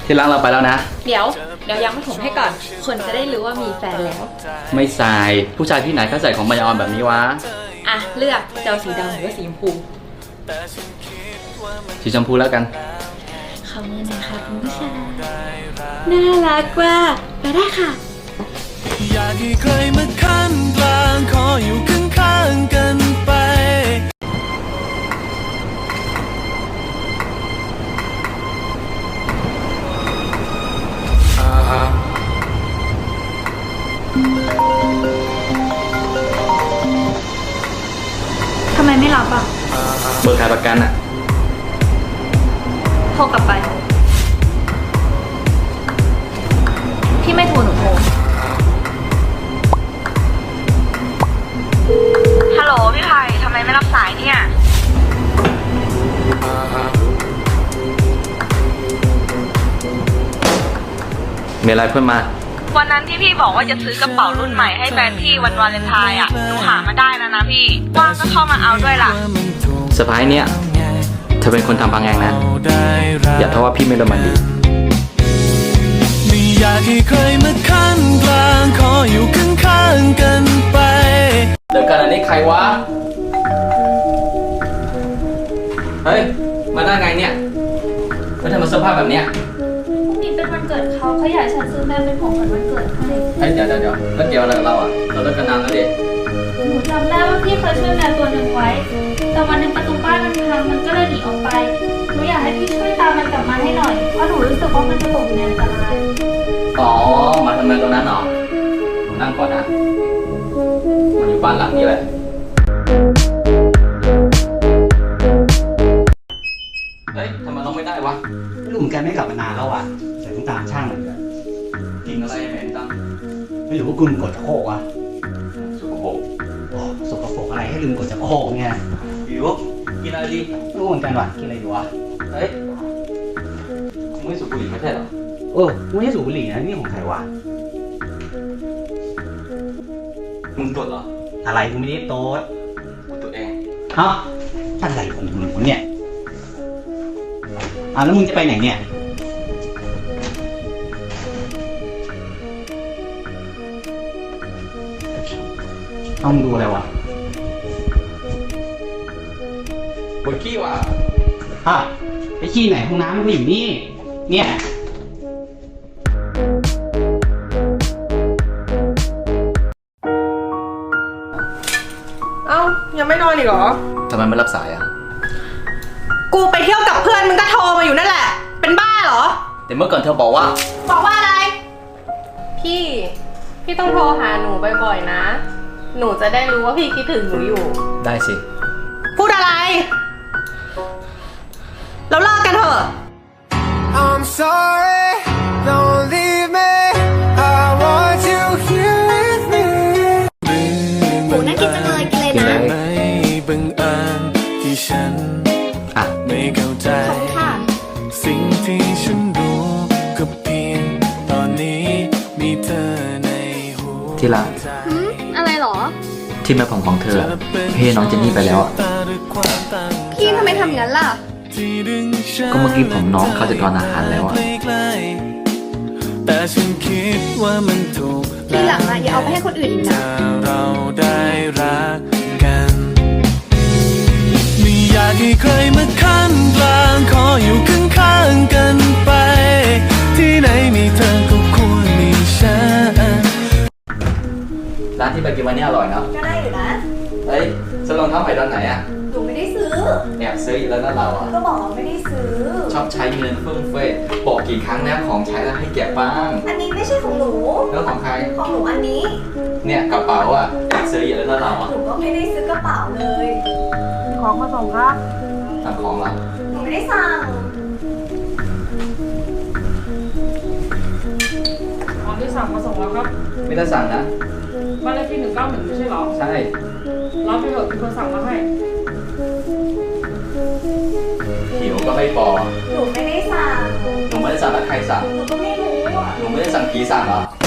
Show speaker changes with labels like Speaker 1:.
Speaker 1: ที่รักเราไปแล้วนะ
Speaker 2: เดี๋ยวยังไม่ผมให้ก่อน คนจะได้รู้ว่ามีแฟนแล้ว
Speaker 1: ไม่ใส่ผู้ชายที่ไหนเขาใส่ของมายาออนแบบนี้วะ
Speaker 2: อ่ะเลือกจะเอาสีดำหรือว่าสีชมพู
Speaker 1: สีชมพูแล้วกัน
Speaker 2: ขอบคุณนะคะคุณผู้ชายน่ารักว่าไปได้ค่ะ
Speaker 3: อยากให้ใครมาขั้นกลางขออยู่ข้างๆกันไป
Speaker 2: ทำไมไม่รับอ่ะ
Speaker 1: เบอร์ขายประกันอะ
Speaker 2: โทรกลับไป พี่ไม่โทรหนูโทร ฮัลโหลพี่ไผ่ทำไมไม่รับสายเนี่ย
Speaker 1: มีอะไรเพื่อนมา
Speaker 4: วันนั้นที่พี่บอกว่าจะซื้อกระเป๋ารุ่นใหม่ให้แฟนพี่วันวาเลนไทน์อ่ะ หนูหามาได้แล้วนะพี่ ว่างก็เข้ามาเอาด้วยล่ะ
Speaker 1: เซอร์ไพรส์เนี่ยเธอเป็นคนทำพังเองนะ อย่าโทษว่าพี่ไม่โรแมนติก
Speaker 3: ไม่อยากให้ใครมาขั้นกลางขออยู่ข้างๆกันไป
Speaker 1: เดี๋ยวกันอันนี้ใครวะ เฮ้ย มาได้ไงเนี่ยไม่ทำมาเสื้อผ้าแบบเนี้ย
Speaker 2: พรุ่งนี้เป็นวันเกิดเขาอยากให้ฉันซื้อแม่เป็นของขวัญวันเกิดให้
Speaker 1: เฮ้ยเดี๋ยวแล้วเกี่ยวอะไรกับเราอ่ะ เราเลิกกันนานแล้วดิ
Speaker 2: หนูจำได้ว่าพี่เคยช่วยแมวตัวหนึ่งไว้ แต่วันหนึงประตูบ้านมันพังมันก็เลยหนีออกไป หนูอยากให้พี่ช่วยตามมันกลับมาให้หน่อย เพราะหนูรู้สึกว่ามันจะตกอยู่ในอันตราย
Speaker 1: อ๋อ มาทำไมตรงนั้นเหรอนั่งก่อนนะมันอยู่บ้านหลังนี้แหละ เฮ้ยทำไมต้องไม่ได้วะ
Speaker 5: ไม่รู้เหมือนกันไม่กลับมานานแล้วอ่ะแต่ต้องตามช่างเหมือนกัน
Speaker 1: กินอะไรเหม็นจัง
Speaker 5: ไม่รู้ว่าคุณกดชักโครกวะ
Speaker 1: สุกโปรก
Speaker 5: โอ้สกปรกอะไรให้ลืมกดชักโครกเนี่ย
Speaker 1: หิวกินอะไรดี
Speaker 5: ไม่รู้เหมือนกันว่ะกินอะไรดีวะ
Speaker 1: เฮ้ยมึงไม่สูบบุหรี่ไม่ใช่เหรอ
Speaker 5: ไม่ใช่สูบบุหรี่นะนี่ของใครวะ
Speaker 1: มึงตรวจเหรอ
Speaker 5: อะไรกูไม่ได้โต๊ด
Speaker 1: กูตัวเอง
Speaker 5: เอ้าอะไรของมึงเนี่ยแล้วมึงจะไปไหนเนี่ยต้องดูอะไรวะ
Speaker 1: ปวดขี้ว่ะ
Speaker 5: ไอ้ขี้ไหนห้องน้ำมันก็อยู่นี่เนี่ย
Speaker 6: เอ้ายังไม่นอนอีกเหรอ
Speaker 1: ทำไมไม่รับสายอ่ะ
Speaker 6: กูไปเที่ยวกับเพื่อนมึงก็โทรมาอยู่นั่นแหละ เป็นบ้าเหรอ
Speaker 1: แต่เมื่อก่อนเธอบอกว่า
Speaker 6: บอกว่าอะไร พี่ต้องโทรหาหนูบ่อยๆนะ หนูจะได้รู้ว่าพี่คิดถึงหนูอยู่
Speaker 1: ได้สิ
Speaker 6: พูดอะไร แล้วเลิกกันเถอะ
Speaker 3: I'm sorry don't leave me I want you here with me
Speaker 2: หมูน่ากินจังเลยกินเลย
Speaker 1: กิน
Speaker 2: นะ
Speaker 1: เลย
Speaker 3: ไม่บังเอิญที่ฉัน
Speaker 1: อ่ะ
Speaker 3: ไม่เข้าใจ
Speaker 2: ขอบคุณค่ะ
Speaker 3: สิ่งที่ฉันรู้ก็เพียงตอนนี้มีเธอในหัว
Speaker 1: ที่รัก
Speaker 3: ใจ
Speaker 2: อะไรหรอ
Speaker 1: ที่แม่ผมของเธอเฮ้น้องเจนนี่ไปแล้วอ่ะ
Speaker 2: พี่ทำไมทำอย่างนั้นล่ะ
Speaker 1: ก็เมื่อกี้ผมน้องเขาจะทานอาหารแล้วอ่ะ
Speaker 3: แต่ฉันคิดว่ามันถูก
Speaker 2: ทีหลังอะอย่าเอาไปให้คนอื่นอีกนะ
Speaker 3: ถ้าเราได้รักกันไม่อยากให้ใครมาขั้นกลางขออยู่ข้างๆกันไป ที่ไหนมีเธอก็ควรมีฉัน
Speaker 1: ร้านที่ไปกินวันนี้อร่อยเนาะ
Speaker 2: ก็ได้อยู่นะ
Speaker 1: เฮ้ยซื้อรองเท้าใหม่ตอนไหนอ่ะ
Speaker 2: หนูไม่ได้ซื้อ
Speaker 1: แอบซื้ออีกแล้วนะเราอ่ะ
Speaker 2: ก็บอกว่าไม่ได้ซื้อ
Speaker 1: ชอบใช้เงินฟุ่มเฟือยบอกกี่ครั้งแล้วของใช้แล้วให้เก็บบ้าง
Speaker 2: อันนี้ไม่ใช่ของหนู
Speaker 1: แล้วของใคร
Speaker 2: ของหนูอันนี้
Speaker 1: เนี่ยกระเป๋าอ่ะแอบซื้ออีกแล้วนะเราอ่ะ
Speaker 2: หนูก็ไม่ได้ซื้อกระเป๋าเลย
Speaker 6: ของมาส่งครับ
Speaker 1: สั่งของเรา
Speaker 2: หนูไม่ได้สั่ง
Speaker 7: ของที่สั่งมาส่งแล้วครับ
Speaker 1: ไม่ได้สั่งนะ
Speaker 7: บ้านเลขที่191ไม่ใช่เหรอ
Speaker 1: ใช่
Speaker 7: รับไปเถอะมีคนสั่งมาให้
Speaker 1: หิวก็ไม่บอก
Speaker 2: หนูไม่ได้สั่ง
Speaker 1: หนูไม่ได้สั่งแล้วใครสั่ง
Speaker 2: หนูก็ไม่รู้อ่ะ
Speaker 1: หนูไม่ได้สั่งผีสั่งเหรอ
Speaker 2: ห